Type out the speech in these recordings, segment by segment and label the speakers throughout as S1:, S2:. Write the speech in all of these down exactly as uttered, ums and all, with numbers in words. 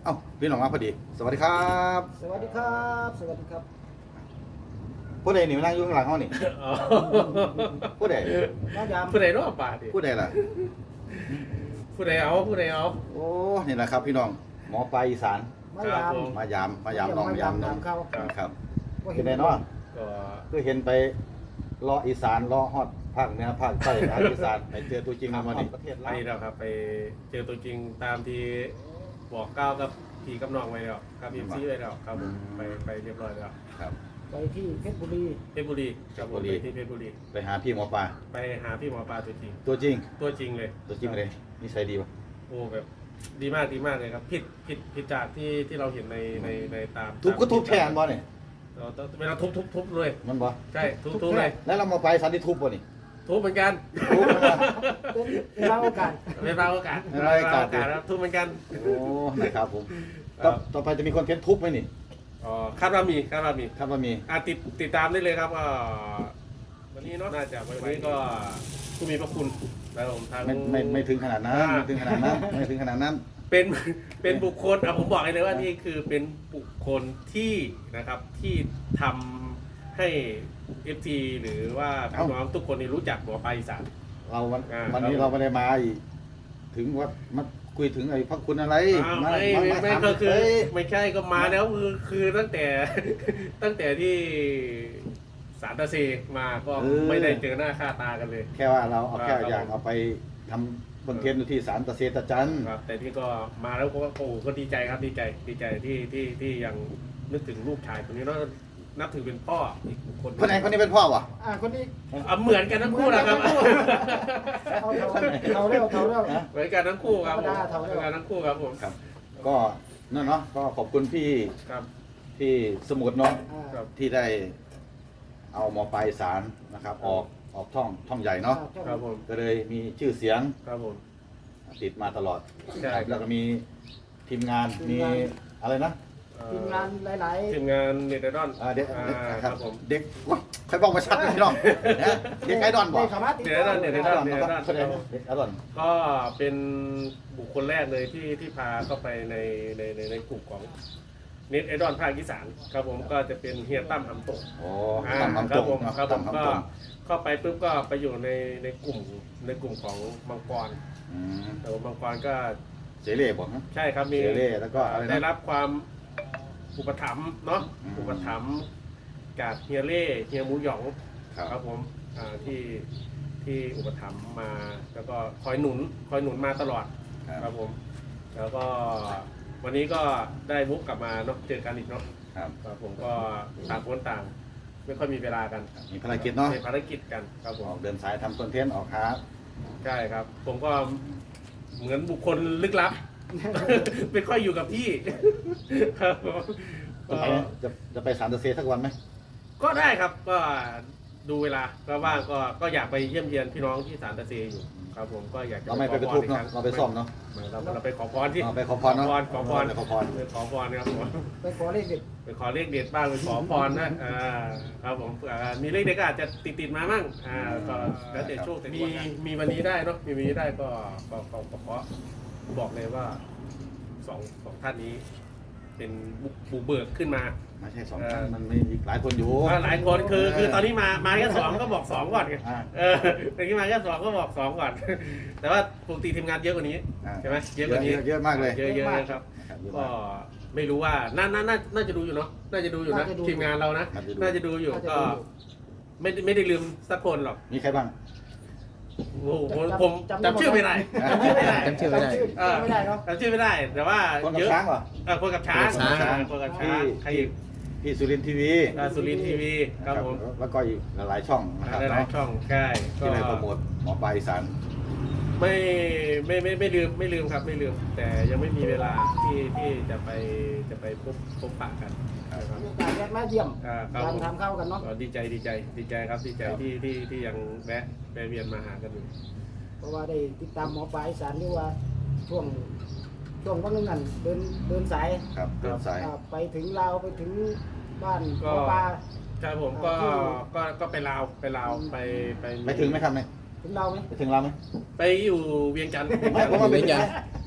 S1: เอ้าพี่น้องมาพอดีสวัสดีครับ
S2: สวัสดีครับสวัสดีครับ
S1: ผู้ใดนี่มานั่งอยู่ข้างหลังเขานี่ผู้ใด
S2: น้ายาม
S3: ผู้ใดรอบป่าดิ
S1: ผู้ใดล่ะ
S3: ผู้ใดเอาผู้ใดเอา
S1: โอ้นี่แหละครับพี่น้องหมอปลายอีสาน
S2: มายาม
S1: มายามมายามน้องมายามน้อง
S2: เขา
S1: ครับ
S2: ก็
S1: เป็นไงเนาะ
S3: ก็
S1: คือเห็นไปเลาะอีสานเลาะฮอดภาคเหนือภาคใต้ภาคอีสานไปเจอตัวจริงมาดิประเทศ
S3: อั
S1: ลาน ว
S3: นี้เราครับไปเจอตัวจริงตามที่บอกก้าวกับพี่กับน้องไว้แล้วกับเอ็มซีไว้แล้วครับผมไปไปเรียบร้อยแล้ว
S1: ครับ
S2: ไปที่เพชรบุรี
S3: เพชรบุรีครับผมไปที่เพชรบุรี
S1: ไปหาพี่หมอปลา
S3: ไปหาพี่หมอปลาตัวจริง
S1: ตัวจริง
S3: ตัวจริงเลย
S1: ตัวจริงเลยนิสัยดีป่ะ
S3: โอ้แบบดีมากดีมากเลยครับผิดผิดผิดจากที่ที่เราเห็นในในในตาม
S1: ทุบก็ทุบแทนบ่เนี่ย
S3: เราต้องเวลาทุบทุบทุบเลย
S1: มันบ่
S3: ใช่ทุบทุบเลย
S1: แล้วเรามาไปสันติทุบบ่นี่
S3: ทุบเหมือนกัน
S1: ทุบนะ
S2: เป็นเวลาโอกาส
S3: เป็นเราโอกาส
S1: เป็นเราโอกาส
S3: ครับทุบเหมือนกัน
S1: โอ้นะครับผมต่อต่อไปจะมีคอนเทนต์ทุบไหมนี่
S3: อ๋อคาดว่ามีคาดว่ามี
S1: ครับว่ามี
S3: อ่ะติดติดตามได้เลยครับอ่าวันนี้เนาะน่าจะวันนี้ก็ผู้มีพระคุณแล้วผมทาง
S1: ไม่ไม่ไม่ถึงขนาดนั้นไม่ถึงขนาดนั้นไม่ถึงขนาดนั้น
S3: เป็นเป็นบุคคลอ่ะผมบอกเลยว่านี่คือเป็นบุคคลที่นะครับที่ทำให้ เอฟ ที หรือว่าพี่น้องทุกคนนี่รู้จักหมอปลาอีสาน
S1: เราวัน
S3: อ่า
S1: วันนี้เราไม่ได้มาอีกถึงว่ามาคุยถึงไอ้พักคุณอะไร
S3: อ้าว
S1: มา
S3: ไม่
S1: มา
S3: ไม่
S1: มา
S3: ไม่
S1: ถาม
S3: ก็คือ
S1: เอ้ย
S3: ไม่ใช่ก็มาแล้วคือคือตั้งแต่ ตั้งแต่ที่สารตะเซมาก็ไม่ได้เจอหน้าค่าตากันเลย
S1: แค่ว่าเราเอาแค่
S3: ครับ
S1: อยากเอาไปทำคอนเทนต์อยู่ที่ศาลตะเซตะจัน
S3: ครับแต่ที่ก็มาแล้วก็โอ้ก็ดีใจครับดีใจดีใจที่ที่ที่ยังนึกถึงลูกชายคนนี้แล้วนับถือเป็นพ่ออีกคน
S1: คนไหนคนนี้เป็นพ่อวะ
S2: อ่าคนนี้
S3: อ่ะเหมือนกันทั้งคู่นะครับ
S2: เอาเท่าเท่าเร็วเท่าเร็ว
S3: เหมือนกันทั้งคู่ครับผม
S2: ธรรมดาเท่า
S3: เห
S2: เดิ
S3: มื
S2: ม
S3: อนกันทั้งคู่ครับผม
S1: ครับ ก็นั่นเนาะก็ขอบคุณพี่
S3: ครับ
S1: พี่สมุทรเนาะ
S2: อ่า
S3: ครับ
S1: ที่ได้เอาหมอปลายสารนะครับออกออกท่องท่องใหญ่เนาะ
S3: ครับผม
S1: ก็เลยมีชื่อเสียง
S3: ครับผม
S1: ติดมาตลอด
S3: ใช่
S1: แล้วก็มีทีมงานมีอะไรนะ
S3: เอ่อ
S2: ทีมงานหลาย
S3: ทีมงานเน็ตไอดอล
S1: อ่าเด็ก
S3: อ่า
S1: เด็กค
S3: ค
S1: รั
S3: รั
S1: บบ
S3: ผม
S1: เด็กว้าใครบอกมาชัดเลยพี่น้องนะเด็กไอดอล
S2: ๆ
S1: บอก
S2: ได้สามารถติด
S3: เดี๋ยวนะเดี๋ยวนะ
S1: ไอดอลนะครับแสดงเด็กไอดอล
S3: ก็เป็นบุคคลแรกเลยที่ที่พาเข้าไปในในในในกลุ่มของเน็ตไอดอลภาคอีสานครับผมก็จะเป็นเฮียตั้มหำตก
S1: โอ้
S3: อ่า
S1: ตำ
S3: ค
S1: น้ำต
S3: รับ
S1: ก
S3: ผม
S1: เนาะ
S3: ครับผม
S1: ตำ
S3: ก็
S1: น้ำตก
S3: เข้าไปปุ๊บก็ไปอยู่ในในกลุ่มในกลุ่มของมังกร
S1: อืม
S3: แต่ว่ามังกรก็
S1: เสเล่บอกนะ
S3: ใช่ครับมี
S1: เสเล่แล้วก็อะไรนะ
S3: ได้รับความอุปถัมภ์เนาะ
S1: อืม
S3: อุปถัมภ์จากเฮียเล่เฮียหมูหยอง
S1: ครับ
S3: ครับผมอ่าที่ที่อุปถัมภ์มาแล้วก็คอยหนุนคอยหนุนมาตลอด
S1: ค
S3: ค
S1: รั
S3: รั
S1: บบ
S3: ผม แล้วก็วันนี้ก็ได้วุกกลับมาเนาะเจอกันอีกเนาะ
S1: ครับ
S3: ครับผมก็ต่างคนต่าง ไม่ค่อยมีเวลากัน
S1: มีภารกิจเนาะ
S3: ในภารกิจกันครับผ
S1: อ
S3: ม
S1: อกเดินสายทำคอนเทนต์ออกหา
S3: ใช่ครับ ผมก็เหมือนบุคคลลึกลับ ไม่ค่อยอยู่กับพี่ ครับผม
S1: จะไปจะจะไปศาลตะเซสักวันไหม
S3: ก็ได้ครับก็ดูเวลาก็ว่างก็ก็อยากไปเยี่ยมเยียนพี่น้องที่ศาลตะเซอยู่ครับผมก็อยากจะ
S1: เราไม่ไปกระทุบเนาะเราไปซ่อมเนาะ
S3: เราเราไปขอพรที่
S1: เราไปขอพรเนาะ
S3: ขอพร
S1: ไปขอพร
S3: ไปขอพรนะครับผม
S2: ไปขอเลขเด็ด
S3: ไปขอเลขเด็ดบ้างไปขอพรนะอ่าครับผมอ่ามีเลขเด็ดก็อาจจะติดติดๆมามั่งอ่าก็แล้วแต่โชคแต่มีมีวันนี้ได้เนาะมีวันนี้ได้ก็ก็ก็ก็ขอบอกเลยว่าสองสองท่านนี้ เป็นบุกบุกเบิกขึ้นมา
S1: ไม่ใช่สองท่านมันมีอีกหลายคนอยู่
S3: อ่าหลายคนคือคือตอนนี้มามาแค่สองก็บอกสองก่อนไง
S1: อ่า
S3: เออตอนนี้มาแค่สองก็บอกสองก่อน แต่ว่าปกติทีมงานเยอะกว่านี้
S1: อ่า
S3: ใช่ไหมเยอะกว่านี้
S1: เยอะมากเลย
S3: เยอะเยอะครับ
S1: นะครับเยอะ
S3: ก็
S1: มาก
S3: ไม่รู้ว่าน่าน่าน่าน่าจะดูอยู่เนาะน่าจะดูอยู่นะทีมงานเรานะ น่าจะดูอยู่
S2: น่าจะ
S3: ก็
S2: ดู
S3: ไม่ได้ไม่ได้ลืมสักคนหรอก
S1: มีใครบ้าง
S3: โอ้โหผมผมจำชื่อไม่ได้จำชื่อไม่ได้
S4: จำชื่อไม่ได้
S3: เออ
S2: จำไม่ได้เนาะ
S3: จำชื่อไม่ได้ แต่ว่า
S1: คนกั
S3: เย
S1: บ
S3: อะ
S1: ช้างเหรอ
S3: เออคนกับช้าง
S4: คนกับช้าง
S3: คนกับช้างใครอีก
S1: พี่สุรินทร์ทีวี
S3: อ่าสุรินทร์ทีวีครับผม
S1: แล้วก็อีกหลายๆช่องนะครับ
S3: หลายๆช่องใช่ก็
S1: ที่ได้โปรโมทหมอปลายอีสาน
S3: ไม่ไม่ไม่ไม่ลืมไม่ลืมครับไม่ลืม แต่ยังไม่มีเวลาที่ที่จะไปจะไปพบพบปะกันนะครับ
S2: มีโอกาสแวะมาเยี่ยม
S3: อ่าครับ
S2: การ
S3: ผม
S2: ทำข้าวกันเนาะ
S3: ก็ดีใจดีใจดีใจครับดีใจที่ที่ที่ยังแวะแวะเวียนมาหากันอยู่
S2: เพราะว่าได้ติดตามหมอปลาอีสานที่ว่าช่วงช่วงวันนึงนั่นเดินเดินสาย
S1: ครับเดินสาย
S2: อ่าไปถึงลาวไปถึงบ้านหม
S3: ก็
S2: อปลา
S3: ใช่ผมก็ก็ก็ไปลาวไปลาวไปไป
S1: ไปถึงไหมครับเนี่ย
S2: ถึงลาวไหม
S1: ไปถึงเราไหม
S3: ไปอยู่เวียงจันทร์
S1: ไม่ผมว่าไปถึง
S4: เวียงจันทร์
S1: ไ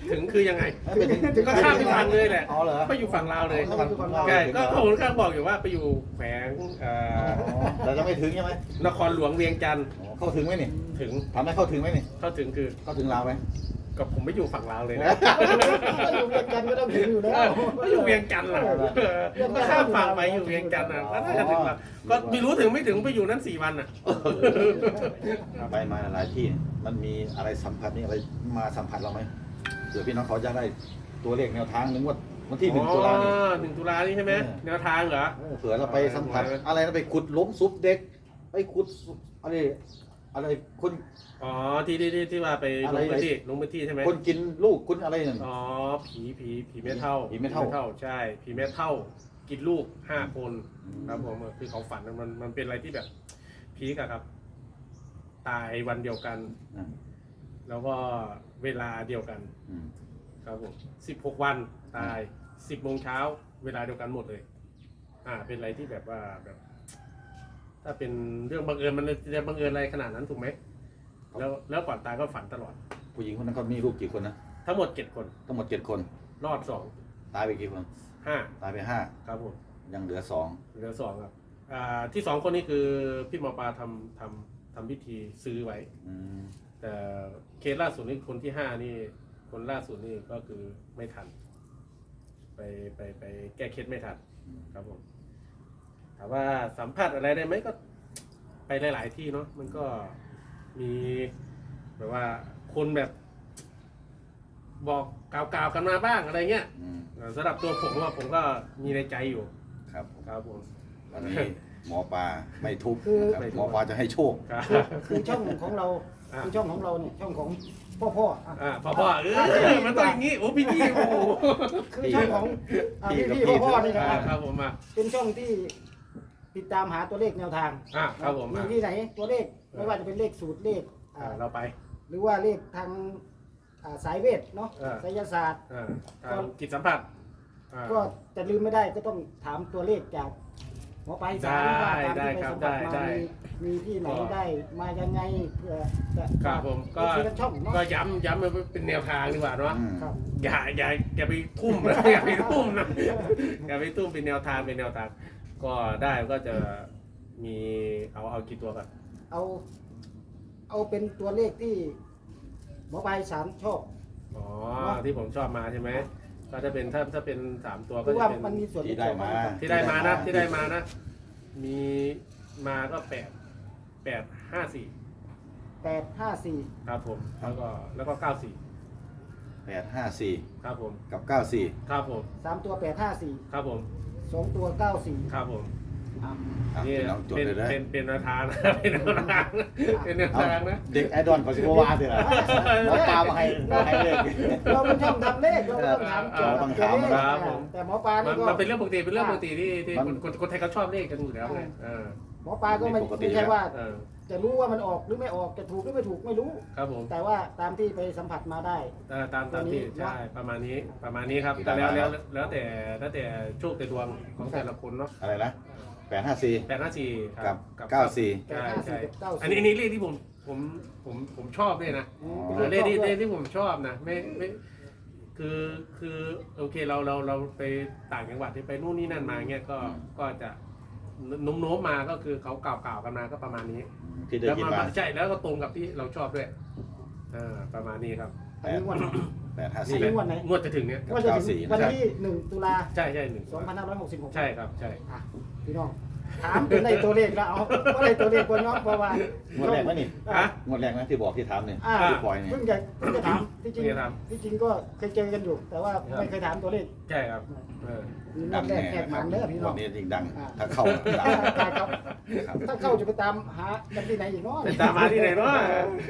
S3: ถึงคือยังไง
S1: ไม่ไปถึง
S3: ก็ข้ามไปทางเลยแหละ
S1: อ๋อเหรอ
S3: ไปอยู่ฝั่งลาวเลย
S1: อ๋อฝั่งฝั่งลาว
S3: ใช่ก็ก็ผมก็บอกอยู่ว่าไปอยู่แขวงเอ่อ
S1: อ๋อแต่จะไม่ถึงใช่ไหม
S3: นครหลวงเวียงจันทร์
S1: อ๋อเข้าถึงไหมนี่
S3: ถึง
S1: ทำให้เข้าถึงไหมนี่
S3: เข้าถึงคือ
S1: เข้าถึงลาวไหม
S3: กับผมไม่อยู่ฝั่งลาวเลยนะ
S2: ก็อยู่เวียงจันทร์ก็ต้องถึงอยู่แล้ว
S3: ไม่อยู่เวียงจันทร์ล่ะก็ข้ามฝั่งไปอยู่เวียงจันทร์อ่ะก็น่าจะถึงละก็ไม่รู้ถึงไม่ถึงไปอยู่นั้นสี่วันอ่ะ
S1: ไปมาหลายที่มันมีอะไรสัมผัสนี่อะไรมาสัมผัสเราไหมเดี๋ยวพี่น้องเขาจะได้ตัวเลขแนวทางหนึ่งว่าวันที่หนึ่งตุลานี่
S3: อ๋อหนึ่งตุลานี่ใช่ไหม
S1: เออ
S3: แนวทางเหรอ
S1: เออเผื่อเราไปสัมผัส
S3: เออ
S1: อะไรนะไปขุดล้มซุปเด็กไปขุดอะไรอะไรคน
S3: อ๋อที่ที่ที่ที่ว่าไป
S1: อะ
S3: ล
S1: ไร
S3: งพื้นที่ลงพื้นที่ใช่ไหม
S1: คนกินลูกคุณอะไรนั่น
S3: อ๋อผีผีผีแม่เท่า
S1: ผีแม่เฒ่า
S3: ใช่ผีแม่เท่า กินลูกห้าคนครับผมคือเขาฝันมันมันเป็นอะไรที่แบบพีกอะครับ ตายวันเดียวกัน
S1: อ่า
S3: แล้วก็เวลาเดียวกัน
S1: อืม
S3: ครับผมสิบหกวันตายสิบโมงเช้าเวลาเดียวกันหมดเลย อ่า เป็นอะไรที่แบบว่าแบบ ถ้าเป็นเรื่องบังเอิญมันจะบังเอิญอะไรขนาดนั้นถูกไหมแล้วแล้วก่อนตายก็ฝันตลอด
S1: ผู้หญิงคนนั้นเขามีลูกกี่คนนะ
S3: ทั้งหมดเจ็ดคน
S1: ทั้งหมดเจ็ดคน
S3: รอดสอง
S1: ตายไปกี่คน
S3: ห้า
S1: ตายไปห้า
S3: ครับผม
S1: ยังเหลือสอง
S3: เหลือสองครับ อ่า ที่สองคนนี้คือพี่หมอปลาทำทำทำพิธีซื้อไว้
S1: อืม
S3: แต่เคสล่าสุดนี่คนที่ห้านี่คนล่าสุดนี่ก็คือไม่ทัน ไปไปไปแก้เคสไม่ทันครับผมถามว่าสัมผัสอะไรได้ไหมก็ไปหลาย ๆ ที่เนาะมันก็มีแบบว่าคนแบบ บอกกล่าวๆกันมาบ้างอะไรเงี้ย
S1: อืม
S3: สำหรับตัวผมว่าผมก็มีในใจอยู่
S1: ครับ
S3: ครับผม
S1: วันนี้หมอปลาไม่ทุบ
S2: คือ
S1: นะครับหมอปลาจะให้โชค
S3: ครับ
S2: คือช่องของเรา
S3: อ่า
S2: คือช่องของเราเนี่ยช่องของพ่อพ่ออ่ะ
S3: อ่าพ่อพ่อเออมันต้องอย่างงี้โอ้พี่พี่โอ้โห
S2: คือช่องของอ่ะ
S1: พี่
S2: พี่
S1: กับ
S2: พี่
S1: พี่
S2: พ่อพ่อนี่นะ
S3: อ่า
S2: ครับ
S3: ครับผมมา
S2: เป็นช่องที่ติดตามหาตัวเลขแนวทาง
S3: อ่าครับผม
S2: มี
S3: อ่า
S2: ที่ไหนตัวเลขไม่ว่าจะเป็นเลขสูตรเลข
S3: อ่า
S2: อ่า
S3: เราไป
S2: หรือว่าเลขทางอ่าสายเวทเนาะ
S3: อ่า
S2: ไสยศาสตร์
S3: อ่าทางจิตสัมผัสอ่า
S2: ก็จะลืมไม่ได้ก็ต้องถามตัวเลขจากหมอปลายสารว่า
S3: ได้
S2: ตามที่ไป
S3: ได้ครับ
S2: สัมผัส
S3: ได้
S2: มา
S3: ได้
S2: มีมีที่ไหนได้มายังไงเพื่อจะ
S3: ครับผมก็
S2: ทีละช่องเนาะ
S3: ก็ย้ำย้ำมาเป็นแนวทางดีกว่าเนาะ
S1: อืม
S2: ครับ
S3: อย่าอย่าอย่าไปทุ่มนะ อย่าไปทุ่มนะอย่าไปทุ่มเป็นแนวทางเป็นแนวทาง ก็ได้ก็จะมีเอาเอากี่ตัวกัน
S2: เอา เอาเป็นตัวเลขที่หมอปลายสารชอบ
S3: อ๋อที่ผมชอบมาใช่ไหมก็จะเป็นถ้าถ้าเป็นสามตัว
S2: เพ
S3: ก็
S2: ราะ
S3: จะ
S2: ว่า
S3: เป็น
S2: มันมีส่วน
S1: ที่ได้มา
S3: ที่ได้มานะที่ได้มานะ มีมาก็แปดแปดห้าสี่
S2: แปดห้าสี่
S3: ครับผม แล้วก็แล้วก็เก้าสี่
S1: แปดห้าสี่
S3: ครับผม
S1: กับเก้าสี่
S3: ครับผม
S2: สามตัวแปดห้าสี่
S3: ครับผม
S2: สองตัวเก้าสี่
S3: ครับผม
S1: อ่ะ
S3: นี่
S1: พี่น้องจด
S3: เป็น
S1: เลยนะ
S3: เป็นเป็นแนวทางนะ เป็นแนวทางนะเป็นแนว
S1: เอา
S3: ทางนะ
S1: เด็กไอดอลของซิโกวาเถอะหมอปลามาให้มาให้เลข
S2: เราเป็นช่องทำเลขเราก็ต้องถามเกี่ยวกับตัวเลข
S3: ครับผม
S2: แต่หมอปลา
S3: มั
S2: นี่
S3: น
S2: ก็
S3: มันเป็นเรื่องปกติเป็นเรื่องปกติที่ที่
S1: มัน
S3: คนคนคนไทยเขาชอบเลขกันอยู่แล้วไงเออ
S2: หมอปลาก็ไม่
S1: ปกติ
S2: ไม่ใช่ว่า
S3: เออ
S2: จะรู้ว่ามันออกหรือไม่ออกจะถูกหรือไม่ถูกไม่รู้
S3: ครับผม
S2: แต่ว่าตามที่ไปสัมผัสมาได้
S3: เออตามตามที่
S2: ตัวนี้
S3: ใช่ประมาณนี้ประมาณนี้ครับ
S1: ที่
S3: แต่
S1: ได้
S3: แล้ว
S1: มา
S3: แล้วแล้วแต่แล้วแต่โชคแต่ดวงของแต่ละคนเนาะ
S1: อะไรนะแปดห้าสี่
S3: แปดห้าสี่ค
S1: กั
S3: รั
S1: บบ เก้าสี่
S3: ใช่
S2: แปดห้าสี่
S3: ใช่
S2: กับเก้าสี่
S3: อันนี้อันนี้เลขที่ผมผมผมผมชอบด้วยนะ
S2: อืม
S1: อ๋อ
S2: เป็น
S3: เลขที่
S2: ชอบ
S3: เล
S2: ด้วย
S3: ขที่ผมชอบนะไม่ไม่คือคือโอเคเราเราเราไปต่างจังหวัดที่ไปนู่นนี่นั่นมาเงี้ยก็ก็จะโน้มโน้มมาก็คือเขากล่าวกล่าวกันมาก็ประมาณนี้
S1: ที่ได้
S3: แล้ว
S1: ยิน
S3: มา
S1: มา
S3: ใช่แล้วก็ตรงกับที่เราชอบด้วยอ่าประมาณนี้ครับ
S2: อันนี้งวด
S1: แปดห้า
S2: อัน
S1: สี่
S2: นี้งวดไหน
S3: งวดจะถึงเนี้ย
S1: กับ
S2: ว่าจะ
S1: เก้า
S2: ถึ
S1: สี่
S2: งวัน
S1: นะครับ
S2: ที่หนึ่งตุลา
S3: ใช่ใช่หนึ่ง
S2: สองพันห้าร้อยหกสิบหก
S3: ใช่ครับใช่
S2: อ่ะพี่น้องถามเป็นในตัวเลขแล้วเอาว่าในตัวเลขคนน้องเพราะว่าง
S1: วดแรกไหมนี่
S3: ฮะ
S1: งวดแรกไหมที่บอกที่ถามเนี่ย
S2: อ่า
S1: ที่ปล่อยเนี่ย
S2: เพิ่งจะเพิ่งจะถามที่จริง
S3: เพิ่งจะถาม
S2: ที่จริงก็เคยเจอกันอยู่ แต่ว่าไม่เคยถามตัวเลข
S3: ใช่ครับเออ
S2: มีร
S1: ดั
S2: อบ
S1: ง
S2: แร
S1: แน่
S2: กแขกห
S1: ค
S2: มั
S1: รับ
S2: นเด้อพี่น้
S1: วั
S2: อน ง
S1: นี้ยิ่งดัง
S2: อ่า
S1: ถ้าเข้าดัง
S2: ได้ครับ
S1: ครับ
S2: ถ้าเข้าจะไปตามหากันที่ไหนอีกเนาะ
S3: ไปตามมาที่ไหนเนาะ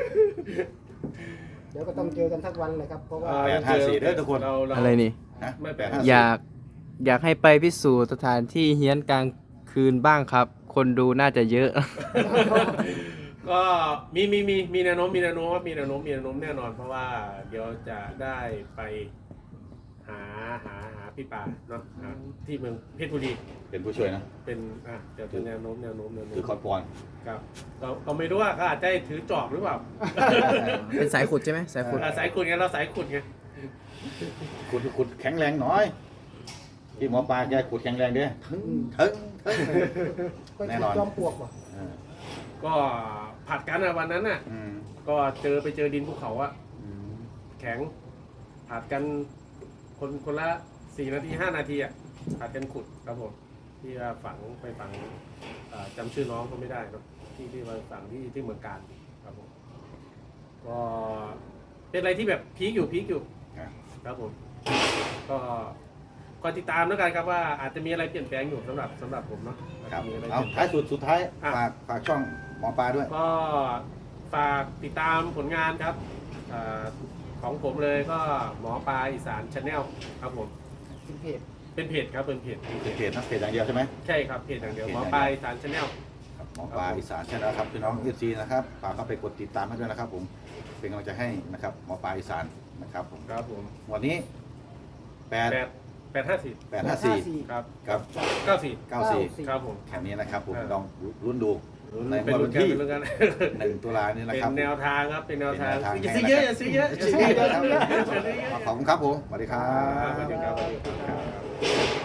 S2: เดี๋ยวก็ต้องเจอกันสักวันเลยครับเพราะว่า
S1: แปดห้าสี่เด้อทุกคน
S3: เราเรา
S4: อะไรนี่
S1: ฮะ
S3: ไม่
S1: แป
S3: แปล
S1: ด
S3: ก
S1: ห้า
S4: อ
S1: สี่
S4: ยากอยากให้ไปพิสูจน์สถานที่เฮี้ยนกลางคืนบ้างครับ คนดูน่าจะเยอะ
S3: ก็มีมีมีมีแนวโน้มมีแนวโน้มว่ามีแนวโน้มมีแนวโน้มแน่นอน เพราะว่าเดี๋ยวจะได้ไปหาหาหาพี่ป่าเนาะหาที่เมืองเพชรบุรี
S1: เป็นผู้ช่วยนะ
S3: เป็นอ่ะเดี๋ยวเป็นแนวโน้มแนวโน้มแนวโน้
S1: คือ
S3: ม
S1: คอนปอน
S3: ครับก็ก็ไม่รู้ว่าเขาอาจจะถือจอบหรือเปล่า
S4: เป็นสายขุดใช่ไหมสายขุด
S3: อ่ะสายขุดไงเราสายขุดไง
S1: ขุดขุดแข็งแรงหน่อยที่หมอปลาแกขุดแข็งแรงเด้ถึงถึงถึง
S2: ก็
S1: แน่นอน
S2: จอมปลวกว่ะ
S1: เออ
S3: ก็ผัดกันอะวันนั้นน่ะ
S1: อืม
S3: ก็เจอไปเจอดินภูเขาอะ
S1: อืม
S3: แข็งผัดกันคนคนละสี่นาทีห้านาทีอะผัดกันขุดครับผมที่ว่าฝังไปฝังเอ่อจำชื่อน้องก็ไม่ได้เนอะที่ที่มาฝังที่ที่เมืองการครับผมก็เป็นอะไรที่แบบพีคอยู่พีคอยู่
S1: ครับ
S3: ครับผมก็คอยติดตามแล้วกันครับว่าอาจจะมีอะไรเปลี่ยนแปลงอยู่สำหรับสำหรับผมเนาะ
S1: ครับ
S3: มีอะไร
S1: เอา
S3: เปลี่ยนแปล
S1: ท้าย
S3: ง
S1: สุดสุดท้าย
S3: อ่ะ
S1: ฝากฝากช่องหมอปลาด้วย
S3: ก็ฝากติดตามผลงานครับเออของผมเลยก็หมอปลาอีสานชาแนลครับผม
S2: เป็นเพจ
S3: เป็นเพจครับเป็นเพจ
S1: เป็นเพจนะเพจอย่างเดียวใช่ไหม
S3: ใช่ครับเพจอย่างเดียว
S1: เพจ
S3: หม
S1: อ
S3: อย่าง
S1: เดียว
S3: ปลาอีสานชาแนล
S1: ครับหมอปลาอีสานใช่แล้วครับพี่น้องเอฟซีนะครับฝากเข้าไปกดติดตามให้ด้วยนะครับ ผมเป็นกำลังใจให้นะครับหมอปลาอีสานนะครับผม
S3: ครับผม
S1: วันนี้แปด
S3: แปดแปดห้าสี่
S1: แปดห้าสี่
S3: ครับ
S1: ครับ
S3: เก้าสี่
S1: เก้าสี่
S3: ครับผม
S1: แค่นี้นะครับผม
S3: เออ
S1: ลองรุ่นดูใน
S3: เป็น
S1: วัน
S3: รุ่นกัน
S1: ที่
S3: เป็นรุ่นกัน
S1: หนึ่งตุลานี้นะ
S3: เป็
S1: ครับ
S3: นแนวทางครับเป็นแนวทาง
S1: เป็นแนวทาง
S3: อย่าซื้อเยอะอย่าซื้อเยอะอย่าซื้อเยอะ
S1: ขอบคุณครับผมสวัสดีครั
S3: ครับสวัสดี
S1: บ
S3: ครับสวัสดีครับ